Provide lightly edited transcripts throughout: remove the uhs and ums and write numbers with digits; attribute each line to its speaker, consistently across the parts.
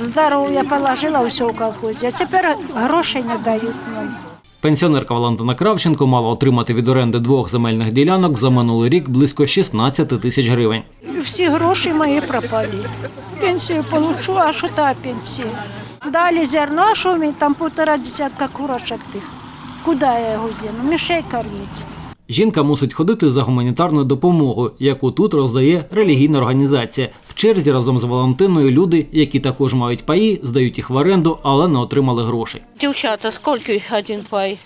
Speaker 1: здоров'я положила все в колхозі, а тепер грошей не дають нам.
Speaker 2: Пенсіонерка Валентина Кравченко мала отримати від оренди 2 земельних ділянок за минулий рік близько 16 тисяч гривень.
Speaker 1: Всі гроші мої пропали. Пенсію получу, а що та пенсія? Далі зерно, а що мені там 1,5 десятка курочок тих? Куди я його зіну? Мишей кормити.
Speaker 2: Жінка мусить ходити за гуманітарною допомогою, яку тут роздає релігійна організація. В черзі разом з Валентиною люди, які також мають паї, здають їх в оренду, але не отримали грошей.
Speaker 3: Дівчата, скільки один пай?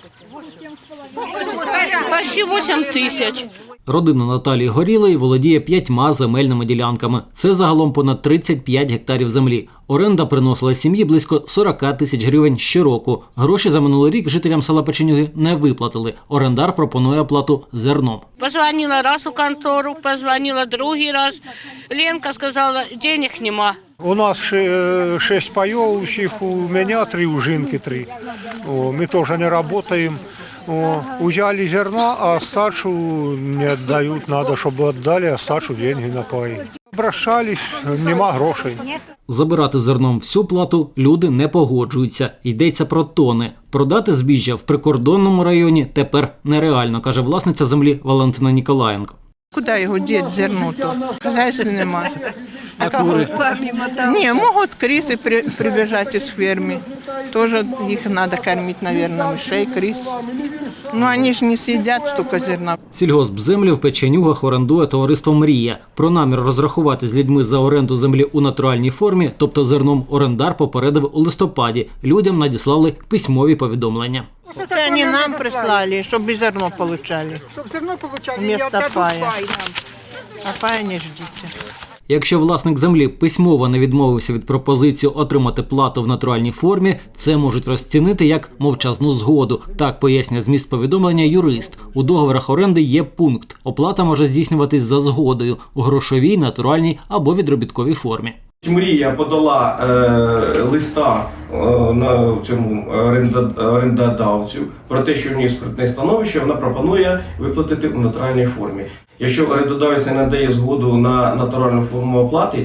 Speaker 3: Почти 8 тисяч.
Speaker 2: Родина Наталії Горілої володіє 5 земельними ділянками. Це загалом понад 35 гектарів землі. Оренда приносила сім'ї близько 40 тисяч гривень щороку. Гроші за минулий рік жителям села Печенюги не виплатили. Орендар пропонує оплату зерном.
Speaker 3: Позвонила раз у контору, позвонила другий раз. Ленка сказала, денег нема.
Speaker 4: У нас 6 паев, усіх, у меня 3, у жінки 3. Мы тоже не работаем. Взяли зерна, а остачу не отдают. Надо, чтобы отдали остачу деньги на паи. Обращались, нема грошей.
Speaker 2: Забирати зерном всю плату люди не погоджуються. Йдеться про тони. Продати збіжжя в прикордонному районі тепер нереально, каже власниця землі Валентина Ніколаєнко.
Speaker 5: Куди його діти зерно-то? Хазяйства немає.
Speaker 2: А кури?
Speaker 5: Ні, можуть криси прибіжати з ферми. Тоже їх треба кормити, мабуть, мишей, крис. Ну, вони ж не сидять стільки зерна.
Speaker 2: Сільгоспземлі в Печенюгах орендує товариство «Мрія». Про намір розрахувати з людьми за оренду землі у натуральній формі, тобто зерном, орендар попередив у листопаді. Людям надіслали письмові повідомлення.
Speaker 5: Це вони нам прислали, щоб і зерно отримали.
Speaker 6: Щоб зерно отримали,
Speaker 5: Вместо
Speaker 6: і
Speaker 5: пая.
Speaker 6: пай нам.
Speaker 5: А пая не ждіть.
Speaker 2: Якщо власник землі письмово не відмовився від пропозиції отримати плату в натуральній формі, це можуть розцінити як мовчазну згоду. Так пояснює зміст повідомлення юрист. У договорах оренди є пункт. Оплата може здійснюватись за згодою у грошовій, натуральній або відробітковій формі.
Speaker 7: Мрія подала листа на цьому орендодавцю про те, що в ній спиртне становище, вона пропонує виплатити в натуральній формі. Якщо орендодавець не надає згоду на натуральну форму оплати,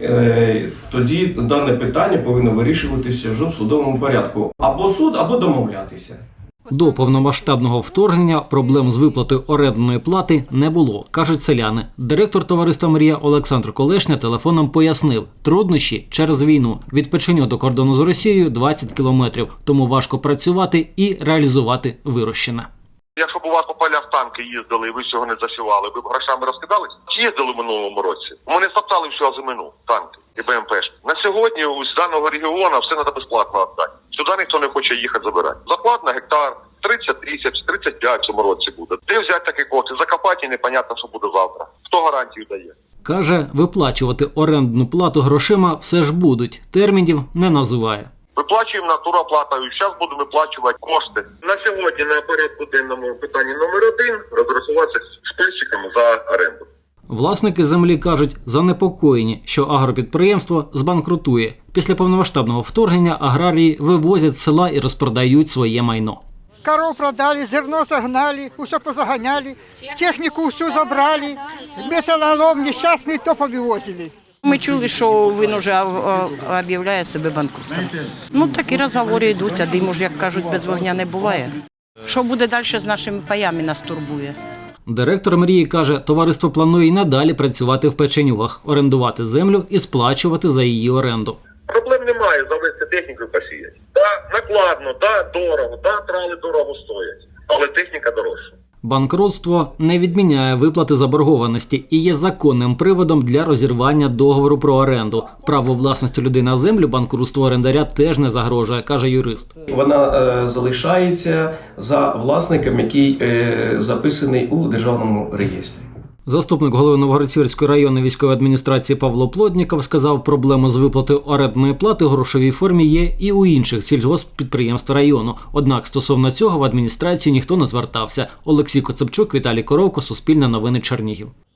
Speaker 7: тоді дане питання повинно вирішуватися вже в судовому порядку. Або суд, або домовлятися.
Speaker 2: До повномасштабного вторгнення проблем з виплатою орендної плати не було, кажуть селяни. Директор товариства «Мрія» Олександр Колешня телефоном пояснив – труднощі через війну. Від Печеньога до кордону з Росією 20 кілометрів, тому важко працювати і реалізувати вирощене.
Speaker 8: Якщо б у вас по полях танки їздили і ви цього не засівали, ви б грошами розкидались? Чи їздили в минулому році? Вони стоптали всю озимину, танки і БМПшки. На сьогодні з даного регіону все треба безплатно віддати. Сюди ніхто не хоче їхати забирати. Заплат на гектар 30 тисяч, 35 в цьому році буде. Де взяти такі кошти? Закопати і непонятно, що буде завтра. Хто гарантію дає?
Speaker 2: Каже, виплачувати орендну плату грошима все ж будуть. Термінів не називає.
Speaker 8: Виплачуємо натуроплатою, зараз будемо виплачувати кошти. На сьогодні на порядку денному питанні номер 1 розрахуватися з пильщиками за оренду.
Speaker 2: Власники землі кажуть, занепокоєні, що агропідприємство збанкрутує. Після повномасштабного вторгнення аграрії вивозять з села і розпродають своє майно.
Speaker 6: Коров продали, зерно загнали, усе позаганяли, техніку всю забрали, металолом нещасний то повивозили.
Speaker 9: Ми чули, що він вже об'являє себе банкрутом. Ну, такі розговори йдуть, а диму ж, як кажуть, без вогня не буває. Що буде далі з нашими паями, нас турбує.
Speaker 2: Директор «Мрії» каже, товариство планує й надалі працювати в Печенюгах, орендувати землю і сплачувати за її оренду.
Speaker 8: Проблем немає завести техніку і посіяти. Да, накладно, да, дорого, да, трали дорого стоять, але техніка дорожча.
Speaker 2: Банкрутство не відміняє виплати заборгованості і є законним приводом для розірвання договору про оренду. Право власності людей на землю банкрутство орендаря теж не загрожує, каже юрист.
Speaker 7: Вона залишається за власником, який записаний у державному реєстрі.
Speaker 2: Заступник голови Новоград-Сіверської районної військової адміністрації Павло Плотніков сказав, проблеми з виплатою орендної плати у грошовій формі є і у інших сільгосппідприємств району. Однак стосовно цього в адміністрації ніхто не звертався. Олексій Коцепчук, Віталій Коровко, Суспільне новини, Чернігів.